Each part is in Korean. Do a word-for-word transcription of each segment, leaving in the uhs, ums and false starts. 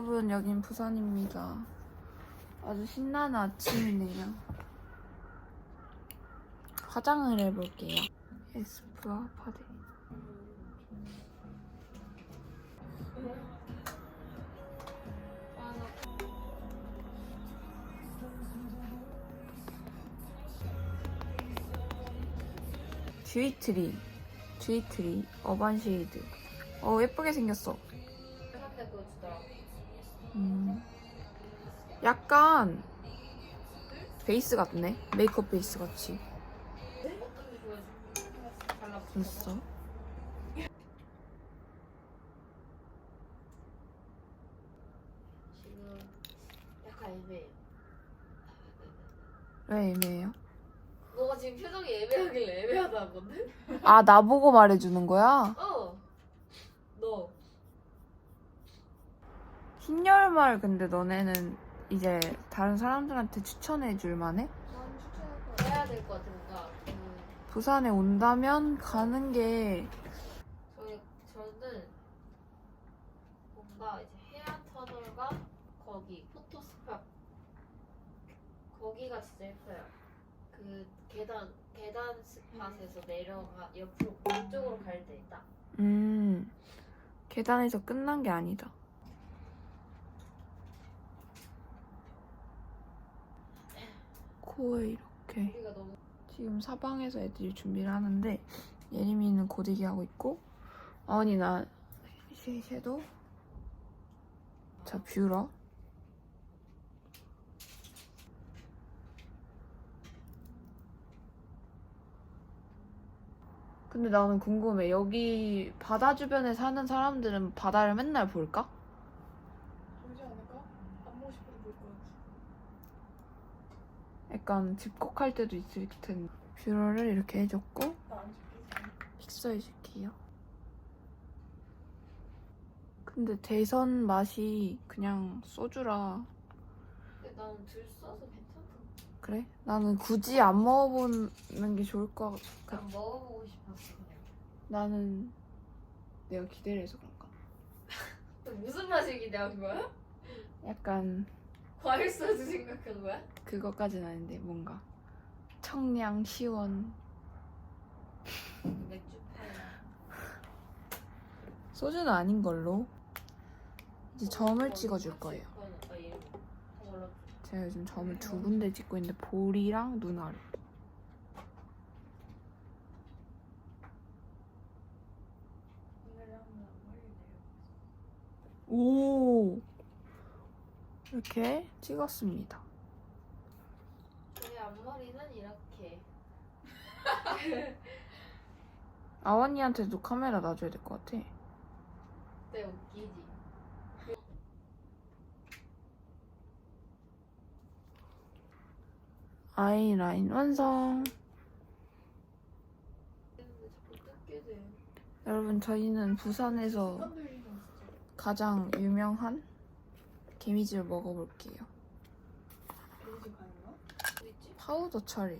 여러분, 여긴 부산입니다. 아주 신나는 아침이네요. 화장을 해볼게요. 에스쁘아 파데. 듀이트리. 듀이트리. 어반 쉐이드. 어, 예쁘게 생겼어. 음. 약간 베이스 같네. 메이크업 베이스 같이. 됐어. 지금 약간 애매해. 왜 애매해요? 너가 지금 표정이 애매하길래 애매하다는 건데? 아, 나보고 말해주는 거야? 어. 너. 흰열말 근데 너네는 이제 다른 사람들한테 추천해줄 만해? 난 추천할 거 해야 될 것 같아. 뭔가 그 부산에 온다면 가는 게 저희 저는 뭔가 이제 해안 터널과 거기 포토스팟 거기가 진짜 예뻐요. 그 계단 계단 스팟에서 내려가 옆으로 그쪽으로 갈 때 있다. 음, 계단에서 끝난 게 아니다. 코에 이렇게 우리가 너무 지금 사방에서 애들이 준비를 하는데 예림이는 고데기 하고 있고 아원이 나 쉐- 섀도우 자 뷰러 근데 나는 궁금해. 여기 바다 주변에 사는 사람들은 바다를 맨날 볼까? 보지 않을까? 안 보고 싶어도 볼 것 같아. 약간 집콕할 때도 있을 텐데 뷰러를 이렇게 해줬고 나안 찍히지. 픽서해줄게요. 근데 대선 맛이 그냥 소주라. 근데 나는 들 써서 괜찮던데. 그래? 나는 굳이 안 먹어보는 게 좋을 것 같아. 난 먹어보고 싶었어 그냥. 나는 내가 기대를 해서 그런가? 근데 무슨 맛을 기대한 거야? 약간 과일 소주 생각한 거야? 그것까지는 아닌데 뭔가 청량 시원. 맥주 파야. 소주는 아닌 걸로. 이제 점을 찍어줄 거예요. 아, 얘 골랐어. 제가 요즘 점을 두 군데 찍고 있는데 볼이랑 눈 아래. 오늘은 한번 머리를 내려. 오 이렇게 찍었습니다. 저희 앞머리는 이렇게. 아원이한테도 카메라 놔줘야 될 것 같아. 네 웃기지. 아이라인 완성. 근데 자꾸 뜯게 돼. 여러분 저희는 부산에서 습관들이랑 진짜. 가장 유명한 개미집을 먹어볼게요. 어디 가는 거야? 어딨지? 파우더 처리.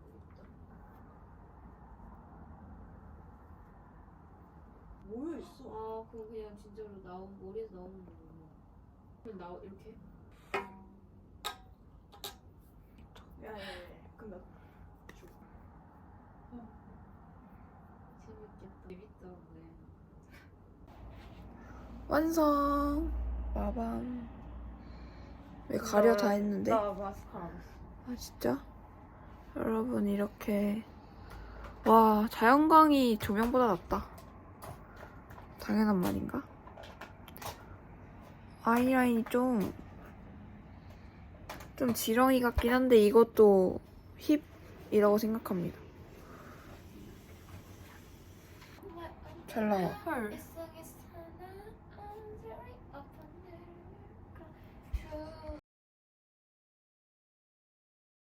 모여 있어. 아 그거 그냥 진짜로 나온 머리에서 나오는 거구나. 그냥 나오 이렇게. 야야야. 그럼 나 줘. 재밌겠다. 재밌던데. 완성. 빠밤. 왜 가려 다 했는데? 나 마스카라 안 했어. 아 진짜? 여러분 이렇게 와 자연광이 조명보다 낫다. 당연한 말인가? 아이라인이 좀 좀 지렁이 같긴 한데 이것도 힙이라고 생각합니다. 잘 나와. 헐.